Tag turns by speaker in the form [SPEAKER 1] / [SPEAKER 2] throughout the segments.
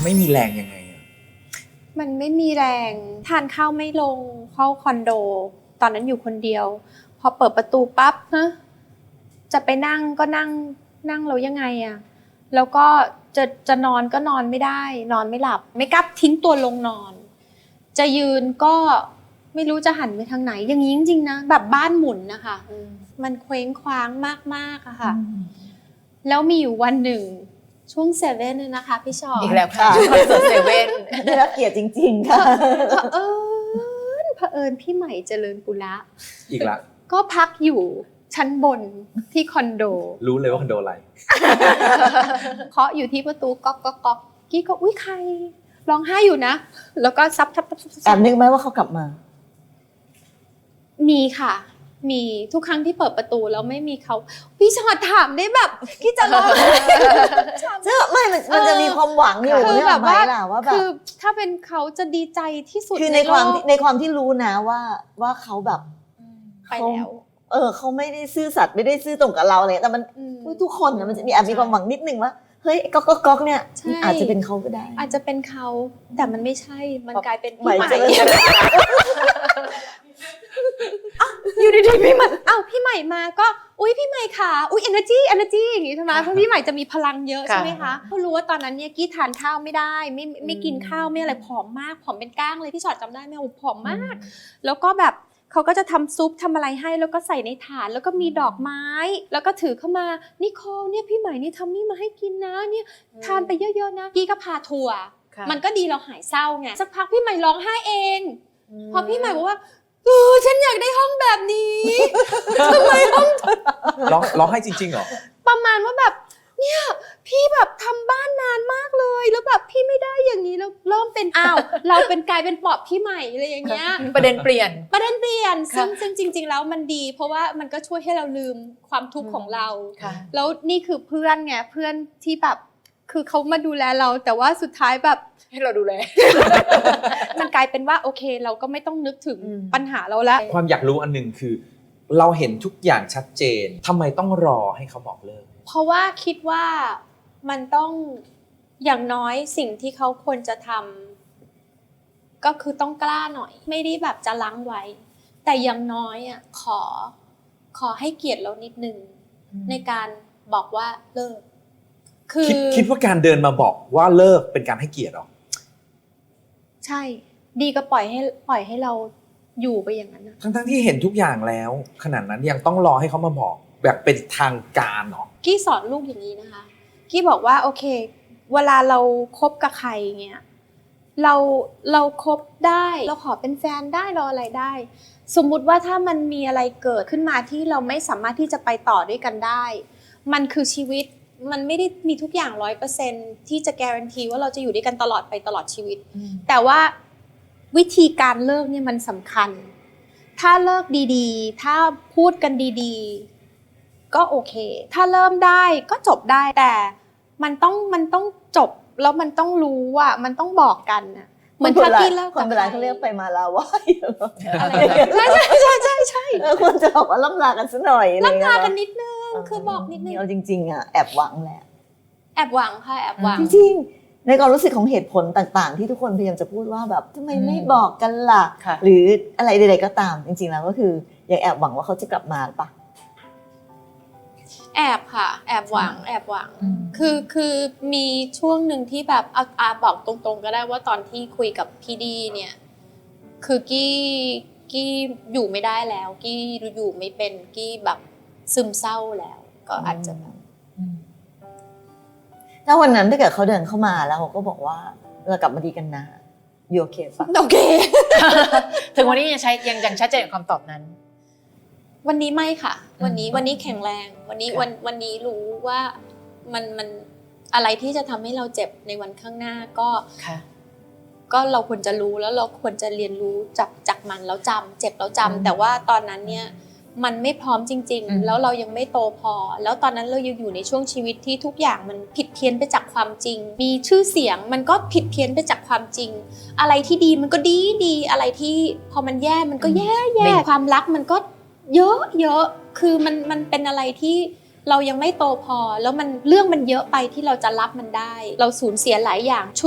[SPEAKER 1] ไม่มีแรงยังไง
[SPEAKER 2] มันไม่มีแรงทานข้าวไม่ลงเข้าคอนโดตอนนั้นอยู่คนเดียวพอเปิดประตูปั๊บนะจะไปนั่งก็นั่งแล้วยังไงอะแล้วก็จะนอนก็นอนไม่ได้นอนไม่หลับไม่กล้าทิ้งตัวลงนอนจะยืนก็ไม่รู้จะหันไปทางไหนอย่างนี้จริงๆนะแบบบ้านหมุนนะคะมันเคว้งคว้างมากๆอะค่ะแล้วมีอยู่วันหนึ่งช่วงเซเว่นเนี่ยนะคะพี่ชอ
[SPEAKER 3] อีกแล้วค่ะคอนเสิร์ตเซเว่น
[SPEAKER 4] ได้รับเกียรติจริงๆค่ะ
[SPEAKER 2] เผอิญพี่ใหม่เจริญปุระ
[SPEAKER 1] อีกละ
[SPEAKER 2] ก็พักอยู่ชั้นบนที่คอนโด
[SPEAKER 1] รู้เลยว่าคอนโดอะไร
[SPEAKER 2] เคาะอยู่ที่ประตูก๊อกก๊อกก๊อกกี้ก็อุ้ยใครร้องไห้อยู่นะแล้วก็ซับ
[SPEAKER 4] แอบนึกไหมว่าเขากลับมา
[SPEAKER 2] มีค่ะมีทุกครั้งที่เปิดประตูแล้วไม่มีเขาพี่ชอดถามได้แบบกี้จะร้อง
[SPEAKER 4] ไม่มันจะมีความหวังอยู่
[SPEAKER 2] คือแบบว่า
[SPEAKER 4] แบบ
[SPEAKER 2] คือถ้าเป็นเขาจะดีใจที่สุด
[SPEAKER 4] คือในความที่รู้นะว่าเขาแบบ
[SPEAKER 2] ไปแล้ว
[SPEAKER 4] เขาไม่ได้ซื่อสัตย์ไม่ได้ซื่อตรงกับเราเลยแต่มันทุกคนมันจะมีแอบมีความหวังนิดนึงว่าเฮ้ยก๊อกเนี่ยอาจจะเป็นเขาก็ได้
[SPEAKER 2] อาจจะเป็นเขาแต่มันไม่ใช่มันกลายเป็นพี่ใหม่อยู่ดีๆพี่ใหม่พี่ใหม่มาก็อุ๊ยพี่ใหม่ค่ะอุ๊ย energy อย่างงี้ใช่ไหมเพราะพี่ใหม่จะมีพลังเยอะใช่ไหมคะเขารู้ว่าตอนนั้นเนี่ยกี้ทานข้าวไม่ได้ไม่กินข้าวไม่อะไรผอมมากผอมเป็นก้างเลยพี่ชอดจำได้ไหมผอมมากแล้วก็แบบเขาก็จะทำซุปทำอะไรให้แล้วก็ใส่ในถาดแล้วก็มีดอกไม้แล้วก็ถือเข้ามานิโคลเนี่ยพี่ใหม่นี่ทำนี่มาให้กินนะเนี่ยทานไปเยอะๆนะกี้ก็พาทัวร์มันก็ดีเราหายเศร้าไงสักพักพี่ใหม่ร้องไห้เองพอพี่ใหม่บอกว่าฉันอยากได้ห้องแบบนี้ทำไมห้อง
[SPEAKER 1] ร้องให้จริงๆเหรอ
[SPEAKER 2] ประมาณว่าแบบเนี่ยพี่แบบทำบ้านนานมากเลยแล้วแบบพี่ไม่ได้อย่างนี้แล้วเริ่มเป็นเราเป็นกลายเป็นปอบพี่ใหม่อะไรอย่างเงี้ย
[SPEAKER 3] ประเด็นเปลี่ยน
[SPEAKER 2] ซึ่งจริงๆแล้วมันดีเพราะว่ามันก็ช่วยให้เราลืมความทุกข์ของเราแล้วนี่คือเพื่อนไงเพื่อนที่แบบคือเขามาดูแลเราแต่ว่าสุดท้ายแบบ
[SPEAKER 3] ให้เราดูแล
[SPEAKER 2] มันกลายเป็นว่าโอเคเราก็ไม่ต้องนึกถึงปัญหาเราแล้ว
[SPEAKER 1] ความอยากรู้อันนึงคือเราเห็นทุกอย่างชัดเจนทำไมต้องรอให้เขาบอกเลิก
[SPEAKER 2] เพราะว่าคิดว่ามันต้องอย่างน้อยสิ่งที่เขาควรจะทำก็คือต้องกล้าหน่อยไม่ได้แบบจะลังไว้แต่อย่างน้อยอ่ะขอให้เกียรติเรานิดนึงในการบอกว่าเลิก
[SPEAKER 1] คิดว่าการเดินมาบอกว่าเลิกเป็นการให้เกียรติหรอ
[SPEAKER 2] ใช่ดีก็ปล่อยให้เราอยู่ไปอย่างนั้นนะ
[SPEAKER 1] ทั้งที่เห็นทุกอย่างแล้วขนาดนั้นยังต้องรอให้เขามาบอกแบบเป็นทางการหรอ
[SPEAKER 2] กี้สอนลูกอย่างนี้นะคะกี้บอกว่าโอเคเวลาเราคบกับใครเงี้ยเราคบได้เราขอเป็นแฟนได้เราอะไรได้สมมุติว่าถ้ามันมีอะไรเกิดขึ้นมาที่เราไม่สามารถที่จะไปต่อด้วยกันได้มันคือชีวิตมันไม่ได้มีทุกอย่าง 100% ที่จะการันตีว่าเราจะอยู่ด้วยกันตลอดไปตลอดชีวิตแต่ว่าวิธีการเลิกเนี่ยมันสำคัญถ้าเลิกดีๆถ้าพูดกันดีๆก็โอเคถ้าเริ่มได้ก็จบได้แต่มันต้องจบแล้วมันต้องรู้ว่ามันต้องบอกกันน่ะเหมือนถ้าพี่เลิก
[SPEAKER 4] คนโบราณเขาเรียกไปมาลาไหว้
[SPEAKER 2] ใช่
[SPEAKER 4] ควรจะบอกว่าล่ำลากันซะหน่อย
[SPEAKER 2] ล่ำลากันนิดนึงคือบอกนิดนึง
[SPEAKER 4] เอาจริงๆอ่ะแอบหวังแหละ
[SPEAKER 2] แอบหวังค่ะแอบหวัง
[SPEAKER 4] จริงๆในความรู้สึกของเหตุผลต่างๆที่ทุกคนพยายามจะพูดว่าแบบทำไมไม่บอกกันล่ะหรืออะไรใดๆก็ตามจริงๆแล้วก็คือยังแอบหวังว่าเขาจะกลับมาปะ
[SPEAKER 2] แอบค่ะแอบหวังคือมีช่วงหนึ่งที่แบบเอาบอกตรงๆก็ได้ว่าตอนที่คุยกับพี่ดีเนี่ยคือกี้อยู่ไม่ได้แล้วกี้อยู่ไม่เป็นกี้แบบซึมเศร้าแล้วก็อาจจะแบบ
[SPEAKER 4] ถ้าวันนั้นถ้าเกิดเขาเดินเข้ามาแล้วเขาก็บอกว่าเรากลับมาดีกันนะโอเคปะ
[SPEAKER 2] โอเค
[SPEAKER 3] ถึงวันนี้ยังชัดเจนกับคำตอบนั้น
[SPEAKER 2] วันนี้ไม่ค่ะวันนี้แข็งแรงวันนี้รู้ว่ามันอะไรที่จะทำให้เราเจ็บในวันข้างหน้าก็เราควรจะรู้แล้วเราควรจะเรียนรู้จากมันแล้วจำเจ็บแล้วจำแต่ว่าตอนนั้นเนี่ยมันไม่พร้อมจริงๆแล้วเรายังไม่โตพอแล้วตอนนั้นเรายังอยู่ในช่วงชีวิตที่ทุกอย่างมันผิดเพี้ยนไปจากความจริงมีชื่อเสียงมันก็ผิดเพี้ยนไปจากความจริงอะไรที่ดีมันก็ดีอะไรที่พอมันแย่มันก็แย่ความรักมันก็เยอะคือมันเป็นอะไรที่เรายังไม่โตพอแล้วเรื่องมันเยอะไปที่เราจะรับมันได้เราสูญเสียหลายอย่างชุด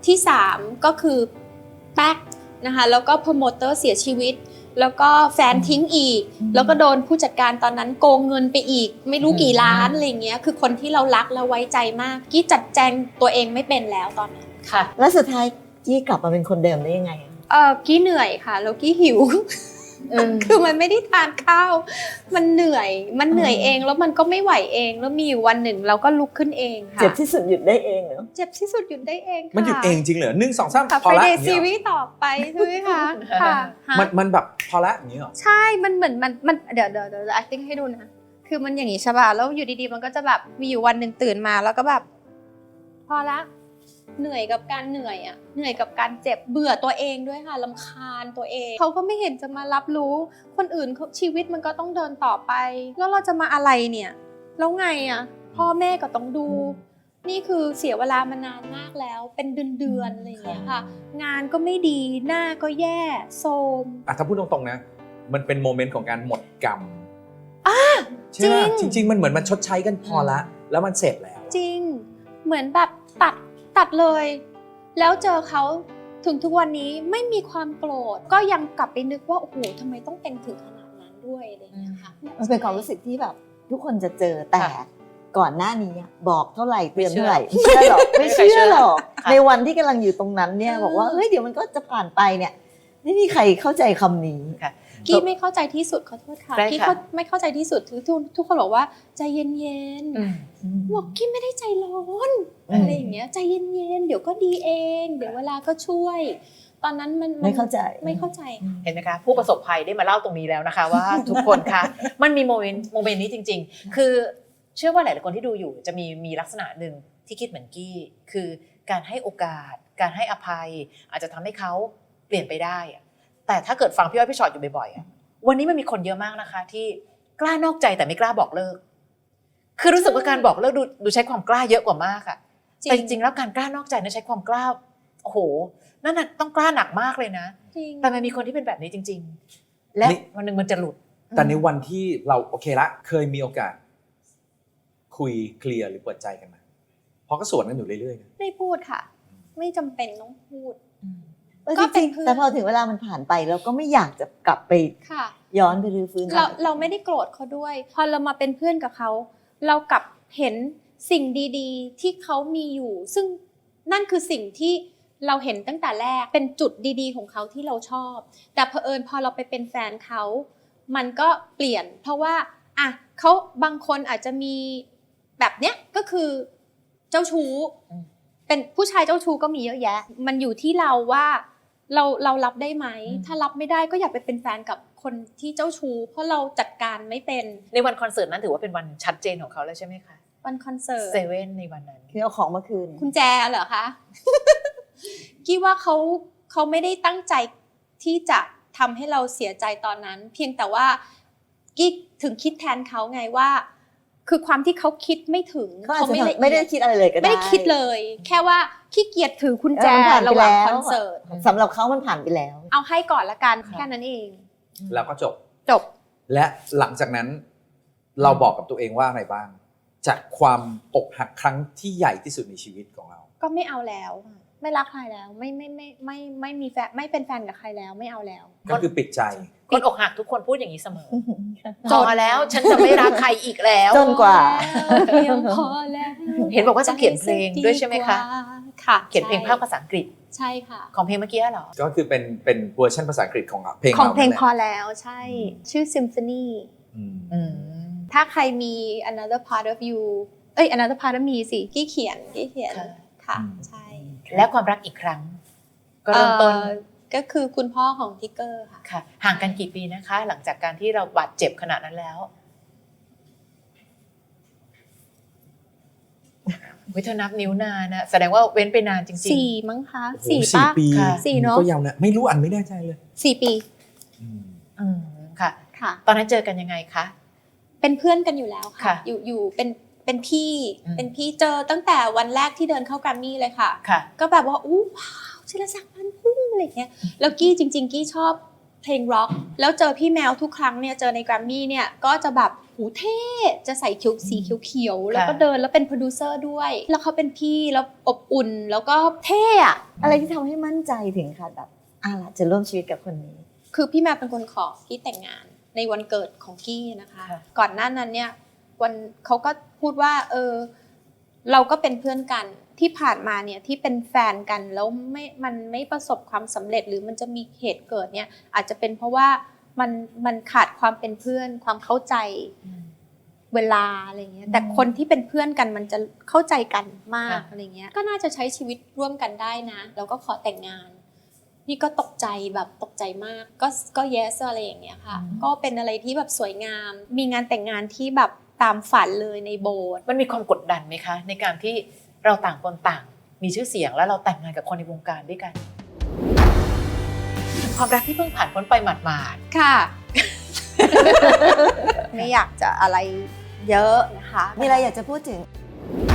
[SPEAKER 2] ที่3ก็คือแป๊กนะคะแล้วก็โปรโมเตอร์เสียชีวิตแล้วก็แฟนทิ้งอีกแล้วก็โดนผู้จัดการตอนนั้นโกงเงินไปอีกไม่รู้กี่ล้านอะไรเงี้ยคือคนที่เรารักและไว้ใจมากกี้จัดแจงตัวเองไม่เป็นแล้วตอนนั้น
[SPEAKER 3] ค่ะ
[SPEAKER 4] แล้วสุดท้ายกี้กลับมาเป็นคนเดิมได้ยังไงอะ
[SPEAKER 2] กี้เหนื่อยค่ะแล้วกี้หิว คือมันไม่ได้ทานข้าวมันเหนื่อยเองแล้วมันก็ไม่ไหวเองแล้วมีอยู่วันหนึ่งเราก็ลุกขึ้นเองค่ะ
[SPEAKER 4] เจ็บที่สุดหยุดได้เองเหรอ
[SPEAKER 2] เจ็บที่สุดหยุดได้เองค่ะ
[SPEAKER 1] มันหยุดเองจริงเหรอ1 2 3
[SPEAKER 2] ค่ะ
[SPEAKER 1] พอละ
[SPEAKER 2] Friday
[SPEAKER 1] อย่างเงี้ย
[SPEAKER 2] Series ต่อไปใช่ไหมคะค่ะฮะ
[SPEAKER 1] มันแบบพอละอย่างเงี้ยเหรอ
[SPEAKER 2] ใช่มันเหมือนมันเดี๋ยว acting ให้ดูนะคือมันอย่างงี้ใช่ป่ะแล้วอยู่ดีๆมันก็จะแบบมีอยู่วันหนึ่งตื่นมาแล้วก็แบบพอละเหนื่อยกับการเหนื่อยอะเหนื่อยกับการเจ็บเบื่อตัวเองด้วยค่ะรำคาญตัวเองเขาก็ไม่เห็นจะมารับรู้คนอื่นเขาชีวิตมันก็ต้องเดินต่อไปแล้วเราจะมาอะไรเนี่ยแล้วไงอะพ่อแม่ก็ต้องดู นี่คือเสียเวลามานานมากแล้วเป็นเดือนๆอะไรอย่างเงี้ยค่ะงานก็ไม่ดีหน้าก็แย่โทรม
[SPEAKER 1] ถ้าพูดตรงๆนะมันเป็นโมเมนต์ของการหมดกรรมใช่ไหม
[SPEAKER 2] จริง
[SPEAKER 1] จริงๆมันเหมือนมันชดใช้กันพอละแล้วมันเสร็จแล้ว
[SPEAKER 2] จริงเหมือนแบบตัดเลย แล้วเจอเขาถึงทุกวันนี้ไม่มีความโกรธก็ยังกลับไปนึกว่าโอ้โหทำไมต้องเป็นถึงขนาดนั้นด้วยอะไรอย่างเงี้ยค่ะ
[SPEAKER 4] มันเป็นความรู้สึกที่แบบทุกคนจะเจอแต่ก่อนหน้านี้อะบอกเท่าไหร่เตือนเท่าไหร่ไม่เชื่อหรอกไม่เชื่อหรอกในวันที่กำลังอยู่ตรงนั้นเนี่ยบอกว่าเฮ้ยเดี๋ยวมันก็จะผ่านไปเนี่ยไม่มีใครเข้าใจคำนี้
[SPEAKER 2] กี้ไม่เข้าใจที่สุดขอโทษค่ะ
[SPEAKER 3] ได้ค่ะ
[SPEAKER 2] กี้ไม่เข้าใจที่สุดทุกคนบอกว่าใจเย็นๆบอกกี้ไม่ได้ใจร้อนอะไรอย่างเงี้ยใจเย็นๆเดี๋ยวก็ดีเองเดี๋ยวเวลาก็ช่วย ตอนนั้นมัน
[SPEAKER 4] ไม่เข้าใจ
[SPEAKER 2] ไม่เข้าใจค่ะ
[SPEAKER 3] เห็นไหมคะผู้ประสบภัยได้มาเล่าตรงนี้แล้วนะคะ ว่า ทุกคนคะมันมีโมเมนต์นี้จริงๆ คือเชื่อว่าหลายๆคนที่ดูอยู่จะมีลักษณะหนึ่งที่คิดเหมือนกี้คือการให้โอกาสการให้อภัยอาจจะทำให้เขาเปลี่ยนไปได้อะแต่ถ้าเกิดฟังพี่อ้อยพี่ชอตอยู่บ่อยๆอะวันนี้มันมีคนเยอะมากนะคะที่กล้านอกใจแต่ไม่กล้าบอกเลิกคือรู้สึกว่าการบอกเลิกดูใช้ความกล้าเยอะกว่ามากอะแต่จริงๆแล้วการกล้านอกใจนั้นใช้ความกล้าโอ้โหนั่นน่ะต้องกล้าหนักมากเลยนะ
[SPEAKER 2] จริง
[SPEAKER 3] แต่มันมีคนที่เป็นแบบนี้จริงๆ และวันหนึ่งมันจะหลุด
[SPEAKER 1] แต่ในวันที่เราโอเคละเคยมีโอกาส คุยเคลียร์หรือเปิดใจกันไหมเพราะก็สวนกันอยู่เรื่อยๆนะ
[SPEAKER 2] ไม่พูดค่ะ ไม่จำเป็นต้องพูด
[SPEAKER 4] ก็
[SPEAKER 2] ก็
[SPEAKER 4] จ
[SPEAKER 2] เป็น
[SPEAKER 4] ริง
[SPEAKER 2] เพื่อน
[SPEAKER 4] ๆแต่พอถึงเวลามันผ่านไปเราก็ไม่อยากจะกลับไป
[SPEAKER 2] ค่ะ
[SPEAKER 4] ย้อนไปรื้อฟื้น
[SPEAKER 2] เราไม่ได้โกรธเขาด้วย พอเรามาเป็นเพื่อนกับเขาเรากลับเห็นสิ่งดีๆที่เขามีอยู่ ซึ่งนั่นคือสิ่งที่เราเห็นตั้งแต่แรกเป็นจุดดีๆของเขาที่เราชอบ แต่เผอิญพอเราไปเป็นแฟนเขามันก็เปลี่ยน เพราะว่าอ่ะเขาบางคนอาจจะมีแบบเนี้ยก็คือเจ้าชู้เป็นผู้ชายเจ้าชู้ก็มีเยอะแยะ มันอยู่ที่เราว่าเรารับได้ไหมถ้ารับไม่ได้ก็อย่าไปเป็นแฟนกับคนที่เจ้าชู้เพราะเราจัดการไม่เป็น
[SPEAKER 3] ในวันคอนเสิร์ตนั้นถือว่าเป็นวันชัดเจนของเขาแล้วใช่ไหมคะ
[SPEAKER 2] วันคอนเสิร์ต
[SPEAKER 3] เซเว่นในวันนั้น
[SPEAKER 4] คือเอาของมาคืน
[SPEAKER 2] คุณแจเหรอคะ กี้ว่าเขาไม่ได้ตั้งใจที่จะทำให้เราเสียใจตอนนั้น เพียงแต่ว่ากี้ถึงคิดแทนเขาไงว่า คือความที่เขาคิดไม่ถึง
[SPEAKER 4] เขาอาจจะ
[SPEAKER 2] ละเอีย
[SPEAKER 4] ไม่ได้คิดอะไรเลยก็ได้
[SPEAKER 2] ไม่ได้คิดเลย แค่ว่าขี้เกียจถือคุณแจ
[SPEAKER 4] มันผ่านไประ
[SPEAKER 2] หว่าง
[SPEAKER 4] แล้ว
[SPEAKER 2] คอนเสิร์ต
[SPEAKER 4] สำหรับเขามันผ่านไปแล้ว
[SPEAKER 2] เอาให้ก่อนละกัน
[SPEAKER 3] ค่ะ
[SPEAKER 2] แค่นั้นเอง
[SPEAKER 1] แล้วก็จบ
[SPEAKER 2] จบ
[SPEAKER 1] และหลังจากนั้นเราบอกกับตัวเองว่าอะไรบ้าง จากความอกหักครั้งที่ใหญ่ที่สุดในชีวิตของเรา
[SPEAKER 2] ก็ไม่เอาแล้ว ไม่รักใครแล้ว ไม่มีแฟนไม่เป็นแฟนกับใครแล้วไม่เอาแล้ว
[SPEAKER 1] ก็คือปิดใจ
[SPEAKER 3] คนอกหักทุกคนพูดอย่างนี้เสมอพอแล้วฉันจะไม่รักใครอีกแล้ว
[SPEAKER 4] จนกว่า
[SPEAKER 2] เพียงพอแล้ว
[SPEAKER 3] เห็นบอกว่าจะเขียนเพลงด้วยใช่ไหมคะ
[SPEAKER 2] ค่ะ
[SPEAKER 3] เขียนเพลงภาคภาษาอังกฤษ
[SPEAKER 2] ใช่ค่ะ
[SPEAKER 3] ของเพลงเมื่อกี้เหรอ
[SPEAKER 1] ก็คือเป็นเวอร์ชันภาษาอังกฤษของเพลง
[SPEAKER 2] ของ
[SPEAKER 1] เรา
[SPEAKER 2] เพลง
[SPEAKER 1] นั่น
[SPEAKER 2] พอ
[SPEAKER 1] แหละ
[SPEAKER 2] แล้วใช่ ชื่อ Symphony
[SPEAKER 1] อืม
[SPEAKER 3] อืม
[SPEAKER 2] ถ้าใครมี Another Part of You Another Part of Me สิกี้เขียนค่ะใช่
[SPEAKER 3] และความรักอีกครั้ง ก็เริ่มต้น
[SPEAKER 2] ก็คือคุณพ่อของทิกเกอร์ค่ะ
[SPEAKER 3] ค่ะ ห่างกันกี่ปีนะคะ หลังจากการที่เราบาดเจ็บขนาดนั้นแล้ววิเธอนับนิ้วนานนะแสดงว่าเว้นไปนานจริง
[SPEAKER 2] 4 มั้งคะ
[SPEAKER 1] โอ้โห
[SPEAKER 2] 4 ป่ะ
[SPEAKER 1] ปี
[SPEAKER 3] ค่ะ
[SPEAKER 2] 4เนอะ
[SPEAKER 1] ก็ยาวนะไม่รู้อันไม่แน่ใจเลย
[SPEAKER 2] 4 ปี
[SPEAKER 1] อืม
[SPEAKER 3] ๆอืมค่ะ
[SPEAKER 2] ค่ะ
[SPEAKER 3] ตอนนั้นเจอกันยังไงคะ
[SPEAKER 2] เป็นเพื่อนกันอยู่แล้วค่ะ
[SPEAKER 3] ค่ะ
[SPEAKER 2] อยู่เป็นพี่
[SPEAKER 3] อืม
[SPEAKER 2] เป็นพี่เจอตั้งแต่วันแรกที่เดินเข้าแกรมมี่เลยค่ะ
[SPEAKER 3] ค่ะ
[SPEAKER 2] ก็แบบว่าอู้ว้าวศิลศักดิ์พันธุ์พุ่งอะไรเงี้ยแล้วกี้จริงๆกี้ชเพลงร็อกแล้วเจอพี่แมวทุกครั้งเนี่ยเจอในแกรมมี่เนี่ยก็จะแบบหูเท่จะใส่คิ้วสีเขียวๆแล้วก็เดินแล้วเป็นโปรดิวเซอร์ด้วยแล้วเขาเป็นพี่แล้วอบอุ่นแล้วก็เท่อะ
[SPEAKER 4] อะไรที่ทำให้มั่นใจถึงค่ะแบบล่ะจะร่วมชีวิตกับคนนี้
[SPEAKER 2] คือพี่แมวเป็นคนขอกี้แต่งงานในวันเกิดของกี้นะคะ ก่อนหน้านั้นเนี่ยวันเขาก็พูดว่าเราก็เป็นเพื่อนกันที่ผ่านมาเนี่ยที่เป็นแฟนกันแล้วมันไม่ประสบความสำเร็จหรือมันจะมีเหตุเกิดเนี่ยอาจจะเป็นเพราะว่ามันขาดความเป็นเพื่อนความเข้าใจเวลาอะไรเงี้ยแต่คนที่เป็นเพื่อนกันมันจะเข้าใจกันมากอะไรเงี้ยก็น่าจะใช้ชีวิตร่วมกันได้นะแล้วก็ขอแต่งงานนี่ก็ตกใจแบบตกใจมากก็ yes อะไรอย่างเงี้ยค่ะก็เป็นอะไรที่แบบสวยงามมีงานแต่งงานที่แบบตามฝันเลยในโบสถ์
[SPEAKER 3] มันมีความกดดันไหมคะในการที่เราต่างคนต่างมีชื่อเสียงแล้วเราแต่งงานกับคนในวงการด้วยกันความรักที่เพิ่งผ่านพ้นไปหมาด
[SPEAKER 2] ค่ะ ไม่อยากจะอะไรเยอะนะคะ
[SPEAKER 4] มีอะไรอยากจะพูดถึง